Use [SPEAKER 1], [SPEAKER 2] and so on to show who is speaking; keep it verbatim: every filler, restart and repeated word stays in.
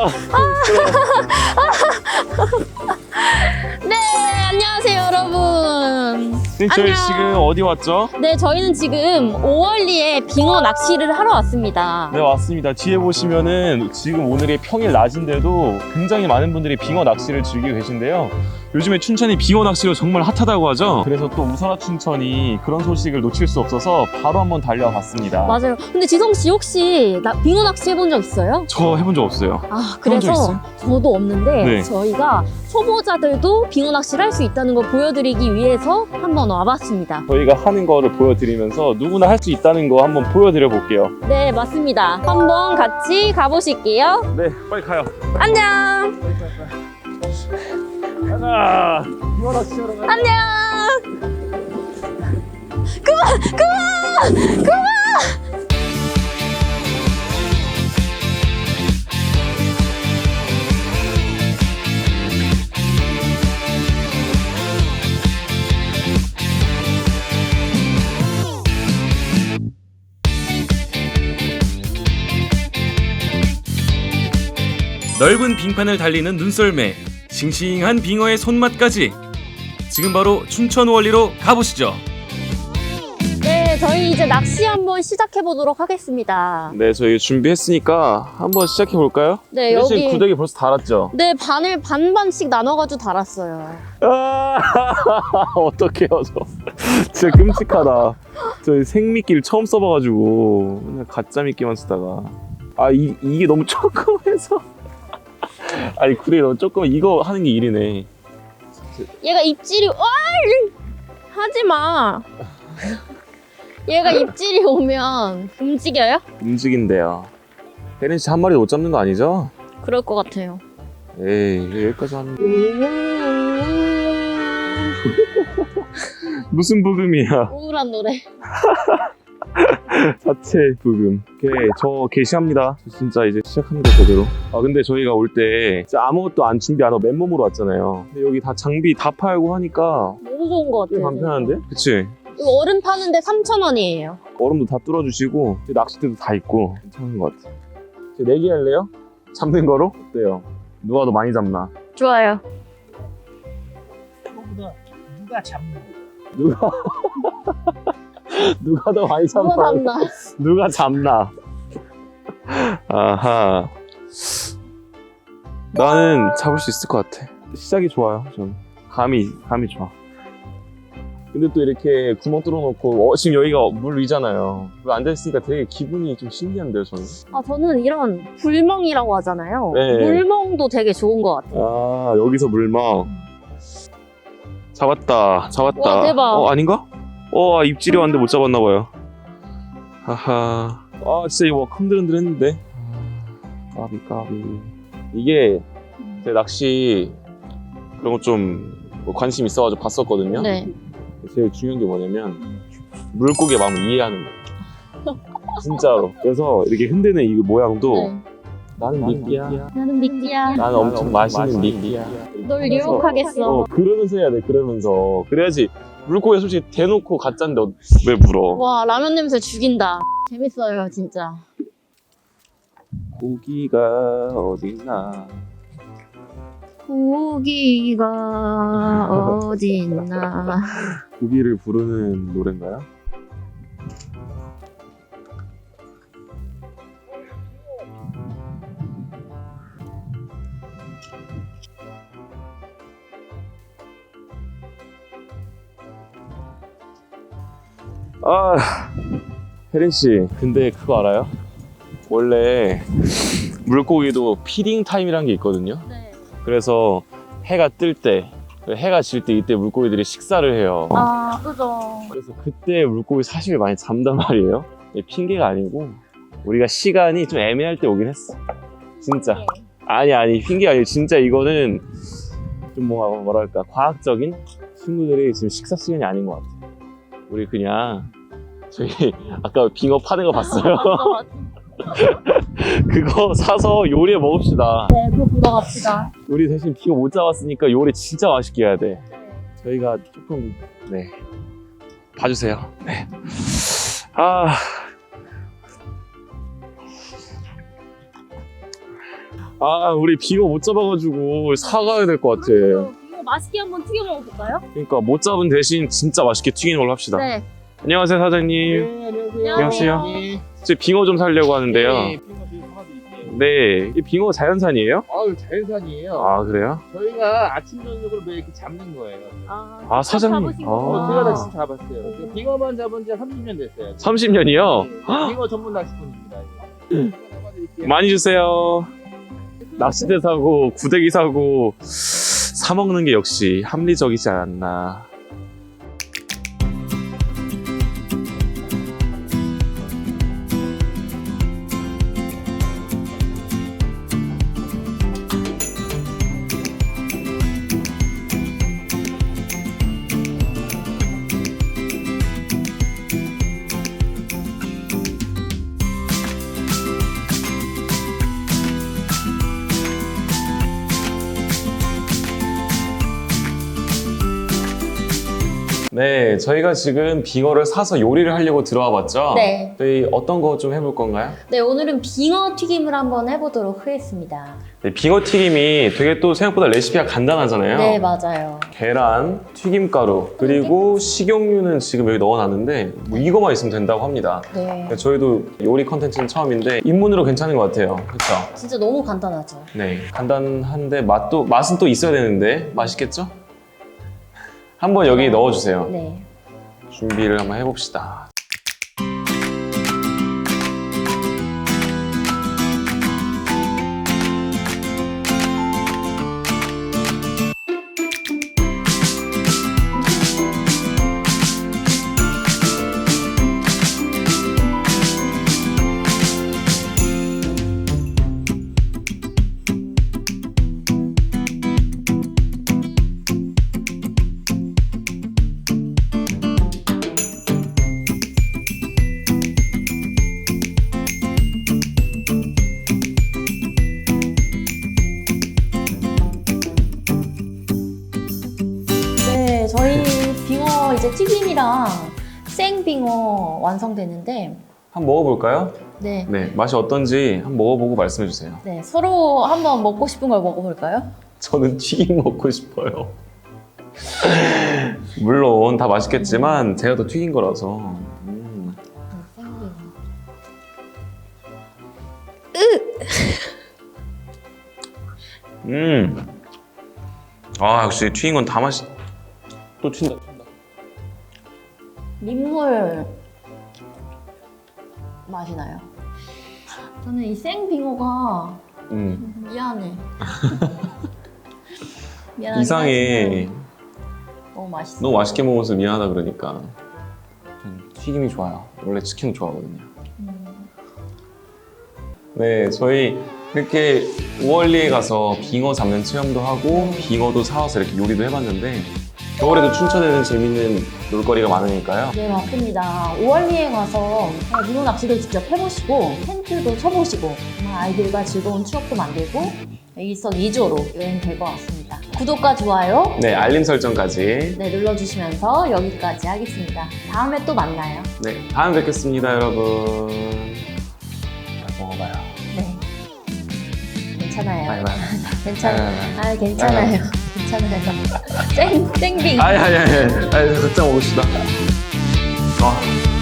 [SPEAKER 1] 아,
[SPEAKER 2] 네, 안녕하세요, 여러분.
[SPEAKER 1] 네, 저희
[SPEAKER 2] 안녕.
[SPEAKER 1] 지금 어디 왔죠?
[SPEAKER 2] 네, 저희는 지금 오월리에 빙어 낚시를 하러 왔습니다.
[SPEAKER 1] 네, 왔습니다. 뒤에 보시면은 지금 오늘이 평일 낮인데도 굉장히 많은 분들이 빙어 낚시를 즐기고 계신데요. 요즘에 춘천이 빙어 낚시로 정말 핫하다고 하죠. 그래서 또 우선화 춘천이 그런 소식을 놓칠 수 없어서 바로 한번 달려와 봤습니다.
[SPEAKER 2] 맞아요. 근데 지성 씨 혹시 나, 빙어 낚시 해본 적 있어요?
[SPEAKER 1] 저 해본 적 없어요.
[SPEAKER 2] 아,
[SPEAKER 1] 해본 적
[SPEAKER 2] 그래서
[SPEAKER 1] 있어요?
[SPEAKER 2] 저도 없는데
[SPEAKER 1] 네.
[SPEAKER 2] 저희가 초보자들도 빙어 낚시를 할 수 있다는 걸 보여드리기 위해서 한번 와봤습니다.
[SPEAKER 1] 저희가 하는 거를 보여드리면서 누구나 할 수 있다는 거 한번 보여드려 볼게요.
[SPEAKER 2] 네, 맞습니다. 한번 같이 가보실게요.
[SPEAKER 1] 네, 빨리 가요.
[SPEAKER 2] 안녕.
[SPEAKER 1] 가자. 빙어 낚시하러 가자.
[SPEAKER 2] 안녕. 그만, 그만, 그만.
[SPEAKER 3] 넓은 빙판을 달리는 눈썰매, 싱싱한 빙어의 손맛까지. 지금 바로 춘천 월리로 가보시죠.
[SPEAKER 2] 네, 저희 이제 낚시 한번 시작해 보도록 하겠습니다.
[SPEAKER 1] 네, 저희 준비했으니까 한번 시작해 볼까요?
[SPEAKER 2] 네,
[SPEAKER 1] 사실
[SPEAKER 2] 여기
[SPEAKER 1] 구데기 벌써 달았죠?
[SPEAKER 2] 네, 반을 반반씩 나눠가지고 달았어요.
[SPEAKER 1] 아, 어떡해요, 저. 진짜 끔찍하다. 저희 생미끼를 처음 써봐가지고 맨날 가짜 미끼만 쓰다가 아, 이, 이게 너무 조금해서 아니, 구데기 너무 조금 이거 하는 게 일이네.
[SPEAKER 2] 얘가 입질이, 어이! 하지 마. 얘가 입질이 오면 움직여요?
[SPEAKER 1] 움직인대요. 혜린 씨 한 마리 못 잡는 거 아니죠?
[SPEAKER 2] 그럴 것 같아요.
[SPEAKER 1] 에이, 왜 여기까지 하는 거야? 무슨 부금이야?
[SPEAKER 2] 우울한 노래.
[SPEAKER 1] 자체 부금. 오케이, 저 게시합니다. 저 진짜 이제 시작합니다, 제대로. 아, 근데 저희가 올 때 진짜 아무것도 안 준비 안 하고 맨몸으로 왔잖아요. 근데 여기 다 장비 다 팔고 하니까
[SPEAKER 2] 너무 좋은 것
[SPEAKER 1] 꽤
[SPEAKER 2] 같아요.
[SPEAKER 1] 간편한데? 그치?
[SPEAKER 2] 이거 얼음 파는데 삼천 원이에요.
[SPEAKER 1] 얼음도 다 뚫어주시고 낚싯대도 다 있고 괜찮은 것 같아. 저 내기 할래요? 잡는 거로? 어때요? 누가 더 많이 잡나?
[SPEAKER 2] 좋아요.
[SPEAKER 4] 그거보다 누가 잡는 거.
[SPEAKER 1] 누가 누가 더 많이 잡나?
[SPEAKER 2] 누가 잡나?
[SPEAKER 1] 누가 잡나? 아하. 나는 잡을 수 있을 것 같아. 시작이 좋아요. 전 감이 감이 좋아. 근데 또 이렇게 구멍 뚫어놓고 어, 지금 여기가 물 위잖아요. 물 앉아있으니까 되게 기분이 좀 신기한데요, 저는.
[SPEAKER 2] 아, 저는 이런 불멍이라고 하잖아요.
[SPEAKER 1] 네.
[SPEAKER 2] 물멍도 되게 좋은 것 같아요.
[SPEAKER 1] 아, 여기서 물막 잡았다. 잡았다.
[SPEAKER 2] 와, 대박.
[SPEAKER 1] 어, 아닌가? 어, 아, 입질이 왔는데 못 잡았나봐요. 하하. 아, 진짜 이거 막 흔들흔들 했는데. 아, 까비, 까비. 이게 제 낚시 그런 거 좀 관심 있어가지고 봤었거든요.
[SPEAKER 2] 네.
[SPEAKER 1] 제일 중요한 게 뭐냐면 물고기의 마음을 이해하는 거예요. 진짜로. 그래서 이렇게 흔드는 이 모양도
[SPEAKER 2] 네.
[SPEAKER 1] 나는 미끼야.
[SPEAKER 2] 나는 미끼야.
[SPEAKER 1] 나는 엄청 맛있는 미끼야.
[SPEAKER 2] 널 유혹하겠어.
[SPEAKER 1] 어, 그러면서 해야 돼, 그러면서. 그래야지. 물고기 솔직히 대놓고 가짜인데 왜 물어?
[SPEAKER 2] 와, 라면 냄새 죽인다. 재밌어요, 진짜.
[SPEAKER 1] 고기가 어딨나?
[SPEAKER 2] 고기가 어딨나.
[SPEAKER 1] 고기를 부르는 노래인가요? 아, 혜린 씨, 근데 그거 알아요? 원래 물고기도 피딩 타임이란 게 있거든요.
[SPEAKER 2] 네.
[SPEAKER 1] 그래서 해가 뜰 때, 해가 질 때 이때 물고기들이 식사를 해요.
[SPEAKER 2] 아, 그죠.
[SPEAKER 1] 그래서 그때 물고기 사실 많이 잡단 말이에요. 핑계가 아니고 우리가 시간이 좀 애매할 때 오긴 했어. 진짜. 아니 아니 핑계 아니고 진짜 이거는 좀 뭔가 뭐랄까 과학적인 친구들이 지금 식사 시간이 아닌 것 같아. 우리 그냥 저희 아까 빙어 파는 거 봤어요? 그거 사서 요리해 먹읍시다.
[SPEAKER 2] 네, 그거 보러 갑시다.
[SPEAKER 1] 우리 대신 빙어 못 잡았으니까 요리 진짜 맛있게 해야 돼. 저희가 조금 네 봐주세요. 네. 아 아, 우리 빙어 못 잡아가지고 사가야 될 것 같아.
[SPEAKER 2] 이거 맛있게 한번 튀겨 먹어볼까요?
[SPEAKER 1] 그러니까 못 잡은 대신 진짜 맛있게 튀기는 걸로 합시다.
[SPEAKER 2] 네.
[SPEAKER 1] 안녕하세요, 사장님.
[SPEAKER 4] 네, 안녕하세요.
[SPEAKER 1] 안녕하세요.
[SPEAKER 4] 네.
[SPEAKER 1] 제 빙어 좀 살려고 하는데요.
[SPEAKER 4] 네, 빙어 빙어 사드릴게요.
[SPEAKER 1] 네, 이 빙어 자연산이에요?
[SPEAKER 4] 아유, 자연산이에요.
[SPEAKER 1] 아, 그래요?
[SPEAKER 4] 저희가 아침 저녁으로 매 이렇게 잡는 거예요.
[SPEAKER 2] 아,
[SPEAKER 1] 아, 사장님.
[SPEAKER 2] 잡으신
[SPEAKER 1] 아.
[SPEAKER 2] 거구나.
[SPEAKER 4] 어, 제가 낚시 잡았어요. 그 빙어만 잡은 지 삼십 년 됐어요.
[SPEAKER 1] 삼십 년이요?
[SPEAKER 4] 네, 빙어 전문 낚시꾼입니다. 이거. 잡아드릴게요.
[SPEAKER 1] 많이 주세요. 낚싯대 사고, 구데기 사고, 사먹는 게 역시 합리적이지 않나. 네, 저희가 지금 빙어를 사서 요리를 하려고 들어와 봤죠?
[SPEAKER 2] 네.
[SPEAKER 1] 저희 어떤 거 좀 해볼 건가요?
[SPEAKER 2] 네, 오늘은 빙어 튀김을 한번 해보도록 하겠습니다.
[SPEAKER 1] 네, 빙어 튀김이 되게 또 생각보다 레시피가 간단하잖아요.
[SPEAKER 2] 네, 맞아요.
[SPEAKER 1] 계란, 튀김가루, 그리고 식용유는 지금 여기 넣어놨는데 뭐 이거만 있으면 된다고 합니다.
[SPEAKER 2] 네.
[SPEAKER 1] 저희도 요리 컨텐츠는 처음인데 입문으로 괜찮은 것 같아요. 그렇죠?
[SPEAKER 2] 진짜 너무 간단하죠.
[SPEAKER 1] 네, 간단한데 맛도 맛은 또 있어야 되는데 맛있겠죠? 한번 여기 넣어주세요.
[SPEAKER 2] 네.
[SPEAKER 1] 준비를 한번 해봅시다.
[SPEAKER 2] 네, 저희 빙어 이제 튀김이랑 생빙어 완성되는데,
[SPEAKER 1] 한번 먹어볼까요?
[SPEAKER 2] 네.
[SPEAKER 1] 네, 맛이 어떤지 한번 먹어보고 말씀해주세요.
[SPEAKER 2] 네, 서로 한번 먹고 싶은 걸 먹어볼까요?
[SPEAKER 1] 저는 튀김 먹고 싶어요. 물론 다 맛있겠지만 제가 더 튀긴 거라서. 음.
[SPEAKER 2] 생빙어.
[SPEAKER 1] 음. 아, 역시 튀긴 건 다 맛있. 또 튄다. 튄다.
[SPEAKER 2] 민물 맛이 나요. 저는 이 생빙어가
[SPEAKER 1] 음.
[SPEAKER 2] 미안해. 미안하긴
[SPEAKER 1] 이상해.
[SPEAKER 2] 하지만 너무 맛있어.
[SPEAKER 1] 너무 맛있게 먹어서 미안하다 그러니까. 전 튀김이 좋아요. 원래 치킨 좋아하거든요.
[SPEAKER 2] 음.
[SPEAKER 1] 네, 저희 이렇게 우월리에 가서 빙어 잡는 체험도 하고 빙어도 사와서 이렇게 요리도 해봤는데 겨울에도 춘천에는 재밌는 놀거리가 많으니까요.
[SPEAKER 2] 네, 맞습니다. 오월리에 가서 빙어 낚시를 직접 해보시고 텐트도 쳐보시고 정말 아이들과 즐거운 추억도 만들고 일석이조로 여행 될 것 같습니다. 구독과 좋아요
[SPEAKER 1] 네, 알림 설정까지.
[SPEAKER 2] 네, 눌러주시면서 여기까지 하겠습니다. 다음에 또 만나요.
[SPEAKER 1] 네, 다음에 뵙겠습니다, 여러분. 잘 먹어봐요.
[SPEAKER 2] 네. 괜찮아요.
[SPEAKER 1] 바이바이.
[SPEAKER 2] 괜찮아요.
[SPEAKER 1] 바이바이.
[SPEAKER 2] 아, 괜찮아요. 괜찮아요. 생, 생빙.
[SPEAKER 1] 아니, 아니, 아니. 아니, 각자 먹읍시다. 아.